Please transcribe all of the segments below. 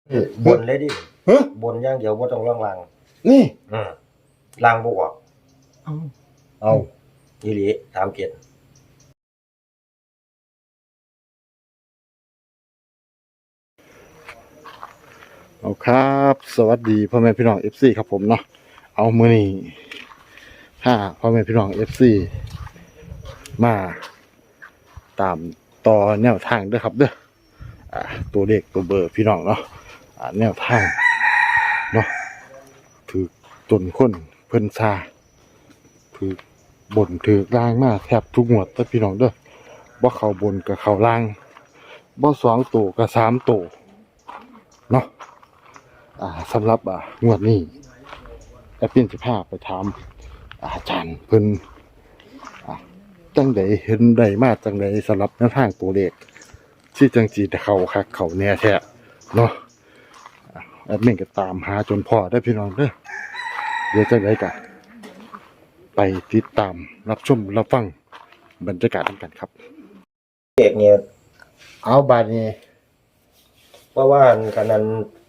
บนเลยดิฮะบนอย่างเดียวบ่ต้องล่างนี่อืมล่างบ่ออกเอาเอาอีหลีถามเกียรติเอาครับ สวัสดีพ่อแม่พี่น้อง FC ครับผมเนาะเอามื้อนี้ถ้าพ่อแม่พี่น้อง FC มาตามต่อแนวทางเด้อครับเด้อตัวเลขตัวเบอร์พี่น้องเนาะแนวทางเนาะถือจนคนเพิ่นซาถือบ่นถือล่างมาแทบทุกงวดเด้อพี่น้องเด้อบ่เข้าบนก็เข้าล่างบ่2ตัวก็3ตัวเนาะสำหรับงวดนี้แอปเปิล15ไปถามอาจารย์เพิ่นจังไดเห็นได้มาจังไดสำหรับแนวทางตัวเลขที่จังสิได้เข้าคักเข้าแน่แท้เนาะแอดมินก็ตามหาจนพอได้พี่น้องเด้อเดี๋ยวจังไดก็ไปติดตามรับชมรับฟังบรรยากาศกันครับเอกเนี่ยเอาบาดนี้เพราะว่ากันนั้น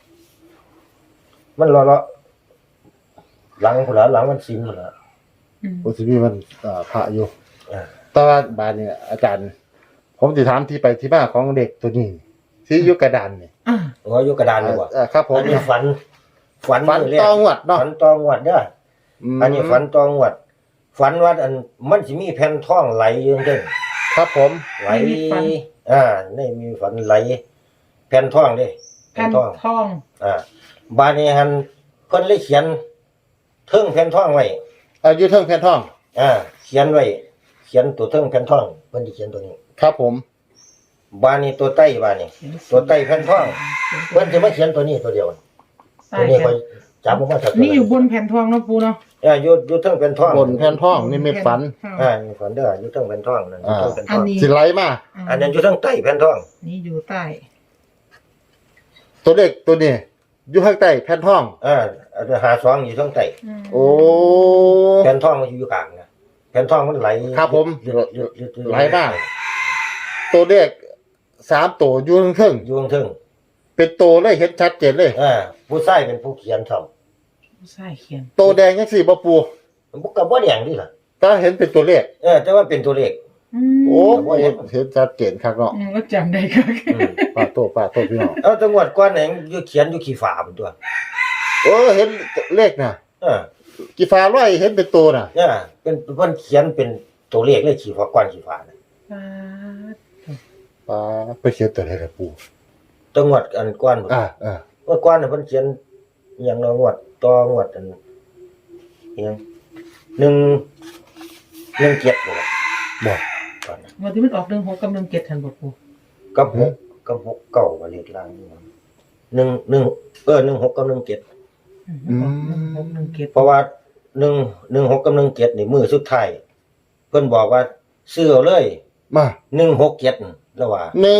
มันเลาะหลังพุ่นล่ะหลังมันซิมพุ่นล่ะโอสิมีมันพระอยู่อ่าแต่ว่าบาดนี้อาจารย์ ผมสิถามที่ไปที่มาของเด็กตัวนี้ที่อยู่กระดานนี่โอ้อยู่กระดานเลยบ่ครับผมอันนี้ฝันฝันมื้แรกต้องวัดเนาะฝันตองวดเด้ออันนี้ฝันตองวดฝันว่าอันมันสิมีแผ่นทองไหลอยู่จังครับผมไหลในมีฝันไหลแผ่นทองเด้แผ่นทองบาดนี้หันเพิ่นเลยเขียนเทิงแผ่นทองไว้อยู่เทิงแผ่นทองเขียนไว้เขียนตัวเทิงแผ่นทองเพิ่นสิเขียนตัวนี้ครับผมบาดนี้ตัวใต้บาดนี้ตัวใต้แผ่นทองเพิ่นสิมาเขียนตัวนี้ตัวเดียวตัวนี้ค่อยจับออกมาจากตัวนี่อยู่บนแผ่นทองเนาะปูเนาะอยู่เทิงแผ่นทองบนแผ่นทองนี่ไม่ฝันมีฝันเด้ออยู่เทิงแผ่นทองนั่นอยู่เทิงแผ่นทอัอน งนี้สิไหลมาอันนั้นอยู่เทิงใต้แผ่นทองนี่อยู่ใต้ตัวเด็กตัวนี้อยู่ข้างใต้แผ่นทองอันหาสองอยู่เทิงใต้โอ้แผ่นทองมันอยู่กลางนะแผ่นทองมันไหลครับผมยืดไหลมาตัวเด็ก3ตัวอยู่เทิงอยู่เทิงเป็นตัวเลยเห็นชัดเจนเลยผู้ชายเป็นผู้เขียนเท่าใช่เขียนตัวแดงจังซี่บ่ปูมันก็บ่แดงดิล่ะถ้าเห็นเป็นตัวเลขแต่ว่าเป็นตัวเลขโอ้เห็นชัดเจนครับเนาะก็จำได้ค่ะป้าโตพี่น้องจังหวัดก้อนเองอยู่เขียนอยู่ขี้ฝาเป็นตัวโอ้เห็นเลขน่ะเออกี่ฟ้าร้อยเห็นเป็นตัวน่ะเป็นเพิ่นเขียนเป็นตัวเลขเลยขี้ฝาก้อนขี้ฝาน่ะป้าไปเขียนตัวไหนล่ะปูจังหวัดอันก้อนอ่าเมื่อก้อนน่ะเพิ่นเขียนอหย่างละงวดต่องวดอันอหยัง1 7บ่ล่ะบอกก่อนนะวันที่มันออก16กับ17ทันบ่ปูกับ6เก้าว่าเลขล่างนี่16กับ17 16 เพราะว่า16กับ17นี่มือสุดท้ายเพิ่นบอกว่าซื้อเอาเลยมา 167แล้วว่า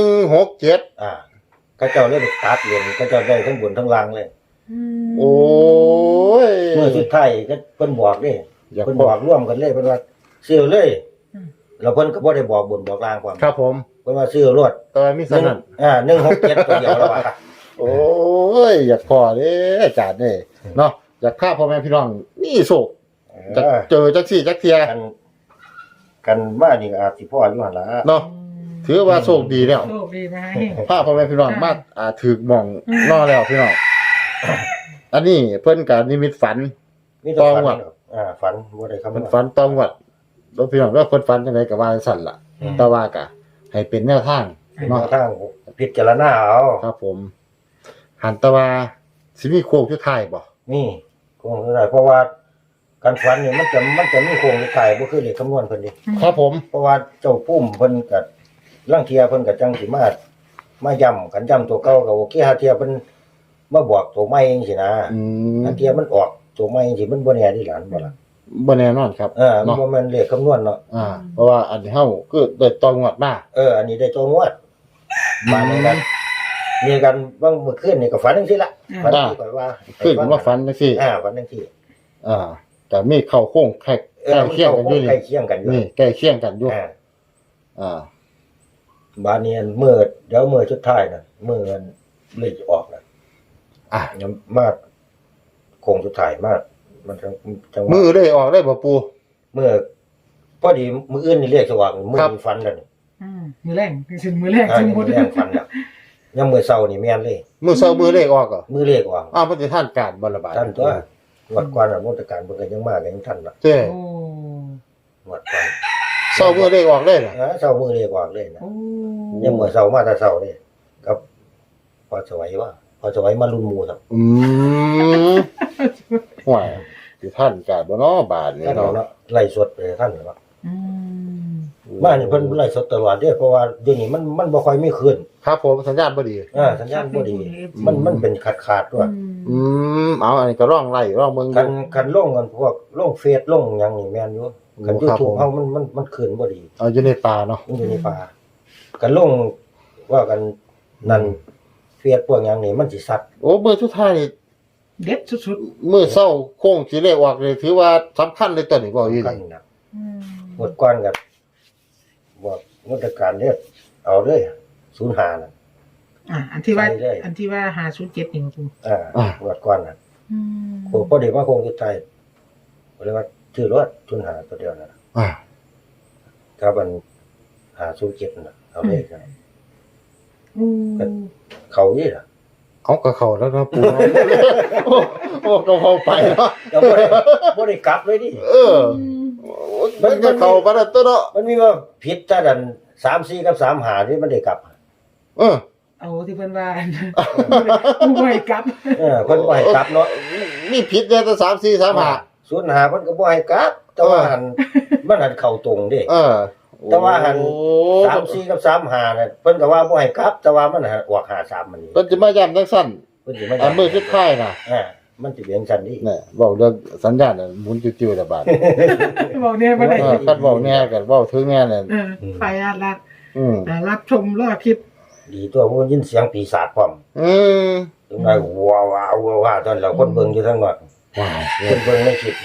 167 เขาเจ้าเลยไปตัดเหรียญเขาเจ้าได้ทั้งบนทั้งล่างเลยโอ้ยเมื่อสุดท้ายก็เพิ่นบอกเด้อย่าเพิ่นบบ ออก กร่วมกันเลยเพิ่นว่าซื้อเอาเลยแล้วเพิ่นก็บ่ได้บอกบนบอกล่างความครับผมเพิ่นว่าซื้อเอารวดตอนมีสนั่น 167ตัวเดียวแล้วว่าโอ้ยอยากพอเด้อาจารย์เด้เนาะอยากฆ่าพ่อแม่พี่น้องนี่โศกจะเจอจักซี่จักเทียกันว่านี่ก็อาจสิพ่ออยู่หั่นล่ะเนาะถือว่าโชคดีแล้วโชคดีไหมพาพ่อแม่พี่น้องมาถึกหม่องนอแล้วพี่น้องอันนี้เพิ่นก็นิมิตฝันมีแต่ฝันฝันบ่ได้คำมันฝันต้องวัดแล้วพี่น้องว่าเพิ่นฝันจังไดก็ว่าจังซั่นล่ะแต่ว่าก็ให้เป็นแนวทางเนาะเนาะทางพิจารณาเอาครับผม หันแตะว่าสิมีโค้งสุดท้ายบ่นี่คงได้เพราะว่าการฝันนี่มันจะมีโครงสุดท้ายบ่คือเลขคำนวณเพิ่นดิครับผมเพราะว่าเจ้าปุ้มเพิ่นก็ลางเที่ยเพิ่นก็จังสิมาย้ำกันย้ำตัวเก่าก็โอเคหาเที่ยเพิ่นมาบอกตัวใหม่จังซี่นะมบางเที่ยมันออกตัวใหม่จังซี่มันบ่แน่ดิหลานบ่ล่ะบ่แน่นอนครับมันเนาะบ่แม่นเลขคำนวณเนาะเพราะว่าอันนี้เฮาคือได้ต้องวัดมาอันนี้ได้ตัวงวดมาในนั้นมีกันบางเมื่อคืนนี่ก็ฝันจังซี่ล่ะฝันที่ก่อนว่าคือผมว่าฝันจังซี่ฝันจังซี่แต่มีเข้าโค้งใกล้เคียงกันอยู่ใกล้เคียงกันอยู่นี่ใกล้เคียงกันอยู่บาดนี้เมื่อเดี๋ยวมื้อสุดท้ายน่ะมื้อเลขออกน่ะยังมาโคงสุดท้ายมามันจังหวะมือได้ออกได้บ่ปูเมื่อพอดีมื้ออื่นนี่เรียกสว่างมื้อครับนี้ฟันแล้วนี่มือแรงถึงมือแรงอ่าถึงนี่หมดมื้อแรงฟันแล้วยังมื้อเช้านี่แม่นเลยมือเซามือเลขออกเหรอมื้อเรียกว่าอ้าวมันจะท่านการบ่ละบาดท่านตัวงวดก่อนน่ะมนตการเพิ่นก็ยังมาก็ยังทันน่ะเจ้โอ้งวดก่อนเซามือเลขออกได้น่ะเช้ามื้อเรียกว่าเลยนะโอ้ยังมื้อเช้ามาแต่เช้าเลยกับพอสวัยว่าพอสวัยมารุ่นหมู่ครับห่วยสิท่านการบ่เนาะบาดนี่ท่านเนาะเนาะไล่สดไปท่านเนาะอืมมานี่เพิ่นไล่สดตลอดเด้เพราะว่าเดี๋ยวนี้มันบ่ค่อยมีคืนครับผมสัญญาณบ่ดีสัญญาณบ่ดีมันเป็นขาดๆด้วยเอาอันนี้ก็ร่องไล่ร่องเมืองคันลงกันพวกลงเฟซลงหยังนี่แม่นอยู่คันครับ YouTube เฮามันคืนบ่ดีเอาอยู่ในป่าเนาะมันอยู่ในป่าคันลงว่ากันนั่นเฟซพวกหยังนี่มันสิสัตว์โอ้มือสุดท้ายนี่เด็ดสุดมือเศร้าโค้งสิเลขออกเลยถือว่าสำคัญเลยตัวนี้บ่อยู่กันนี่นะๆหมดก่อนก็บอกงดการเด้อเอาเลย05น่ะอันที่ว่าไปเลยอันที่ว่า507นี่ปูหมดก่อนน่ะโคพอดีว่าคงสุดท้ายก็เลยว่าชื่อรถ05ตัวเดียวน่ะอ่าครับมัน507น่ะเอาเลยครับอืมเขานี่ล่ะเอากับเขาแล้วนะปูเนาะโอ้ก็พอไปเนาะเราบ่ได้กลับเลยดิมันก็เข้าบ่ได้ตัวเนาะมันมีว่าผิดแต่ดัน3-4กับ3-5นี่มันได้กลับเออเอาที่เพิ่นว่าปูไว้กลับเพิ่นบ่ให้กลับเนาะนี่ผิดเนี่ยแต่3 4 3 5 05เพิ่นก็บ่ให้กลับ แต่ว่าหันมันหันเข้าตรงเด้เออแต่ว่าหันโอ้ 3-4กับ3-5น่ะเพิ่นก็ว่าบ่ให้กลับ แต่ว่ามันหันออก5-3มันนี่เพิ่นจะมาย้ำจังซั่นเพิ่นสิมาอันมือสุดท้ายน่ะมันสิเป็นจังซั่นดินี่เว้าเรื่องสัญญาณน่ะหมุนจิ้วๆละบาดบอกเนี่ยบ่ได้คันเว้าแน่กันเว้าถึงแน่นั่นไปรัดอืมรับชมรอคลิปดีตัวผู้ยินเสียงปีศาจพร้อมอืมถึงได้ว้าวตอนเราคนเบิ่งอยู่ทั้งหมดว้าวคนเบิ่งในคลิป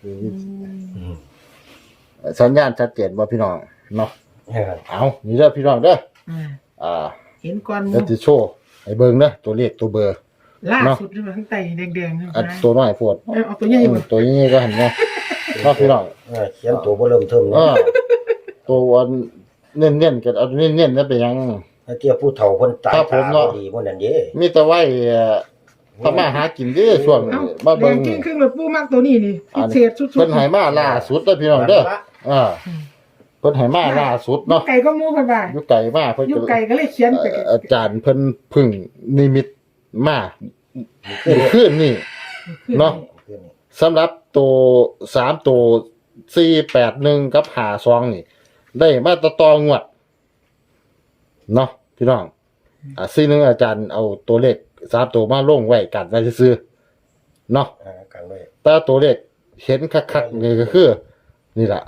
สัญญาณชัดเจนบ่พี่น้องเนาะเออเอานี่เด้อพี่น้องเด้ออ่าเเห็นก่อนหดี๋ยวมู่จะโชว์ให้เบิ่งเด้อตัวเลขตัวเบอร์ล่าสุดนี่มันข้างใต้แดงๆอันตัวน้อยโพดเอาตัวใหญ่บ่ตัวนี้ก็หันเนาะเนาะพี่น้องเขียนตัวบ่เริ่มเทิมเอเนาะอตัวอันเน้นๆกันเอาเน้นๆแล้วเป็นหยังถ้าเทียบผู้เฒ่าเพิ่นตายครับผมตาเนาะบ่ดีบ่นั่นเด้มีแต่ไว้ทำมาหากินเด้อช่วงนี้เอ้ามาแดเบิ่งงกิ้งครึ่งเลยปูมักตัวนี้นี่พิเศษสุดๆเพิ่นให้มาล่าสุดเด้อพี่น้องเด้อเพิ่นให้มาล่าสุดเนาะไก่ก็หมู่เพิ่นว่าอยู่ไกลมากเพิ่นอยู่ไก่ก็เลยเขียนไปอาจารย์เพิ่นพึ่งนิมิตมาคืนนี่ เนาะ สำหรับตัว3ตัว481กับ52นี่ ได้มาต่องวดเนาะพี่น้อง41อาจารย์เอาตัวเลข3ตัวมาลงไว้กันไว้ซื่อๆเนาะกันไว้แต่ตัวเลขเห็นคักๆนี่ก็คือ นี่ล่ะ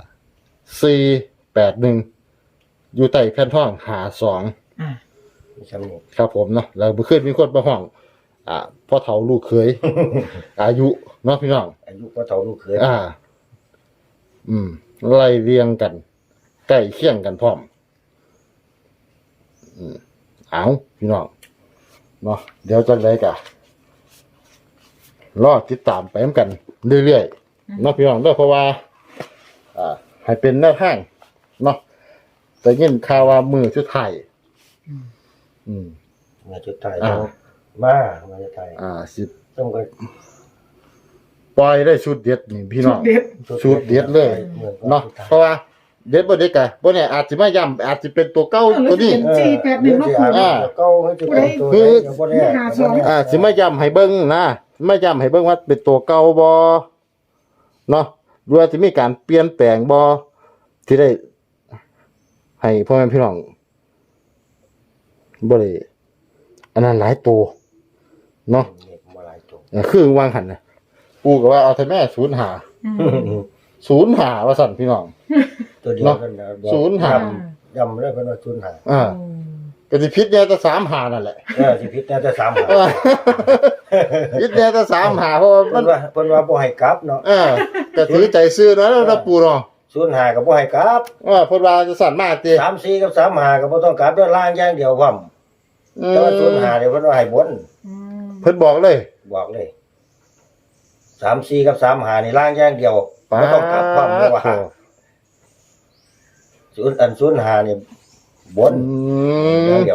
481อยู่ใต้แผ่นทอง52 อ่ามีคำนี้ครับผมเนาะแล้วเมื่อคืนมีคนมาห้องพ่อเฒ่าลูกเขย อายุเนาะพี่น้องอายุก็เฒ่าลูกเขยไล่เรียงกัน ใกล้เคียงกันพร้อม เอาพี่น้องเนาะเดี๋ยวจังไดกะรอติดตามไปกันเรื่อยๆเนาะพี่น้องเด้อเพราะว่าให้เป็นแนวทางเนาะแต่ยินข่าวว่ามือสุดท้ายอืมมาจุดท้ายอ่ามาจุดท้ายสิต้องก็ปล่อยได้ชุดเด็ดนี่พี่น้องเด็ดชุดเด็ดเลยเนาะเพราะว่าเด็ดบ่เด็ดกะบ่เนี่ยอาจสิมาย้ำอาจสิเป็นตัวเก่าตัวนี้ 481เนาะปูเก่าให้จุดเป็นตัวไหนก็บ่ได้สิมาย้ำให้เบิ่งนะมาย้ำให้เบิ่งว่าเป็นตัวเก่าบ่เนาะหรือว่าสิมีการเปลี่ยนแปลงบ่ที่ได้ให้พ่อแม่พี่น้องบ่ได้อันนั้นหลายตัวเนาะมาหลายตัวคือวางหันน่ะกูก็ว่าเอาแต่แม่05ว่าสั่นพี่น้องตัวเดียวกันนะ ย้ำเลยเพิ่นว่า05 ก็สิผิดแน่แต่35นั่นแหละสิผิดแต่3หาผิดแน่แต่35เพราะว่ามันเพิ่นว่าบ่ให้กลับเนาะก็ถือใจซื้อเนาะแล้วปู่เนาะ 05ก็บ่ให้กลับเพิ่นว่าจะสั่นมาติ 34กับ35ก็บ่ต้องกลับด้วยล่างอย่างเดียวพร้อมแต่ว่า05เนี่ยเพิ่นว่าให้บนเพิ่นบอกเลยบอกเลย3-4กับ3-5นี่ล่างอย่างเดียวป้าบ่ต้องกลับความเลยว่าโถ่ 0-5นี่บนอือย่างมเดียว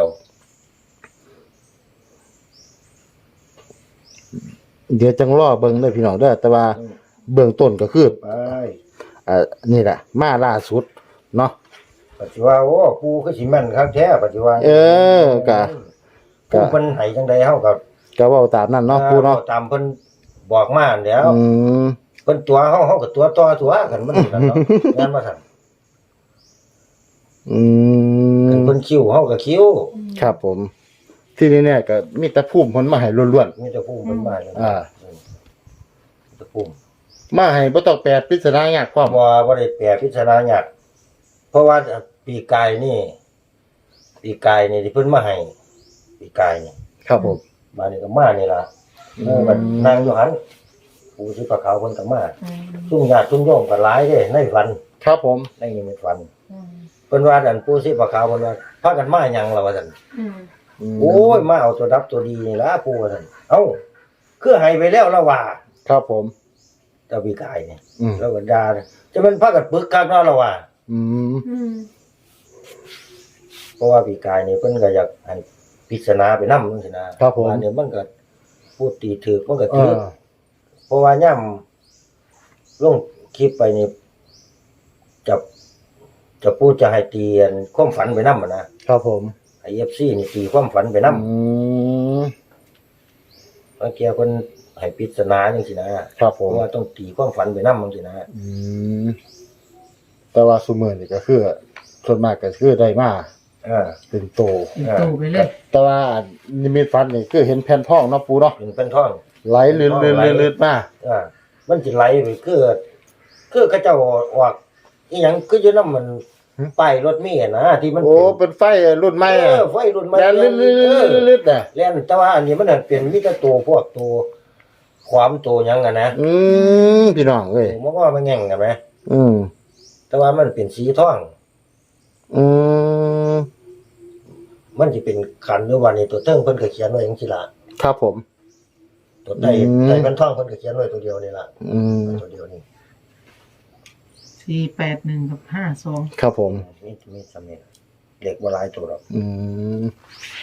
เดี๋ยวจังรอเบิ่งเด้อพี่น้องเด้อแต่ว่าเบื้องต้นก็คือไปนี่แหละมาล่าสุดเนาะปัจจุบันโอ้ปูคือสิแม่นคักแท้ปัจจุบันกะปูเพิ่นให้จังได๋เฮาก็ก็เว้าตามนั้นเนาะปูเนาะตามเพิ่นบอกมานั่นแหล้วอืมเพิ่นตัวเฮาก็ตัวต่อตัวกันมันนั่นเนาะแม่นบ่ซั่นอืคันมเพิ่นคิ้วเฮาก็คิ้วครับผม ที่นี่เนี่ยก็มีแต่ภูมิเพิ่นมาให้ล้วนมีแต่ภูมิเพิ่นมาเลยอ่าแต่ภูมิๆมาให้บ่ต้องแปลปริศนายากความบ่ได้แปลพิจารณาหยักเพราะว่าปีกายนี่ที่เพิ่นมาให้ปีกายนี่ครับผมมานี่ก็มานี่ล่ะบัดนางอยู่หันปู่สิปะขาวเพิ่นก็มาซุ่มญาติซุ่มโยมก็หลายเด้ในฝันครับผมในนิมิตฝันเพิ่นว่าอันปู่สิปะขาวเพิ่นว่าพากันมาหยังล่ะว่าซั่น โอ้ยมาเอาตัวดับตัวดีนี่ล่ะปู่ว่าซั่นเอ้าคือให้ไปแล้วละว่าครับผมเจ้าปีกายนี่อืมแล้วก็ด่าจะเป็นพากันปึกคักเนาะละว่าอืมเพราะว่าปีกายนี่เพิ่นก็อยากให้พิจารณาไปนำจังซี่นะครับผมว่าเนี่ยมันก็พูดตีถูกมันก็เอถูกอเพราะว่าย่ำลงคลิปไปนี่จะพูดจะให้ตีอันความฝันไปนำนะครับผมไอ้ FC นี่ตีความฝันไปนำอืมบางเที่ยเพิ่นให้พิจารณาจังซี่นะครับผเพมราะว่าต้องตีความฝันไปนำจังซี่นะอืมแต่ว่าซุมื้อนี่ก็คือส่วนมากก็คือได้มาอ่าเป็นโตเป็นตู้ไปเลยแต่ว่านิมิตฝันนี่คือเห็นแผ่นทองเนาะปูเนาะเป็นท่องไหลลื่นๆๆๆมามันสิไหลไปคือเขาเจ้าออกอีหยังคืออยู่นำมันป้ายรถเมล์นะที่มันโอ้เป็นไฟรุ่นใหม่อะไฟรุ่นใหม่แล้วลื่นๆๆๆน่ะแล้วแต่ว่าอันนี้มันนะเป็นมีแต่ตัวพวกตัวความตัวหยังอะนะอืมพี่น้องเอ้ยมันว่ามันแง่งกันไหมอืมแต่ว่ามันเป็นสีทองอืมมันสิเป็นขันหรือว่านี่ตัวเทิงเพิ่นก็เขียนไว้จังซี่ล่ะครับผมตัวใต้อืมใต้เป็นทองเพิ่นก็เขียนไว้ตัวเดียวนี่ล่ะอืมตัวเดียวนี่ 481 กับ 52 ครับผมมีสำเนียงเด็กบ่หลายตัวหรอกอืม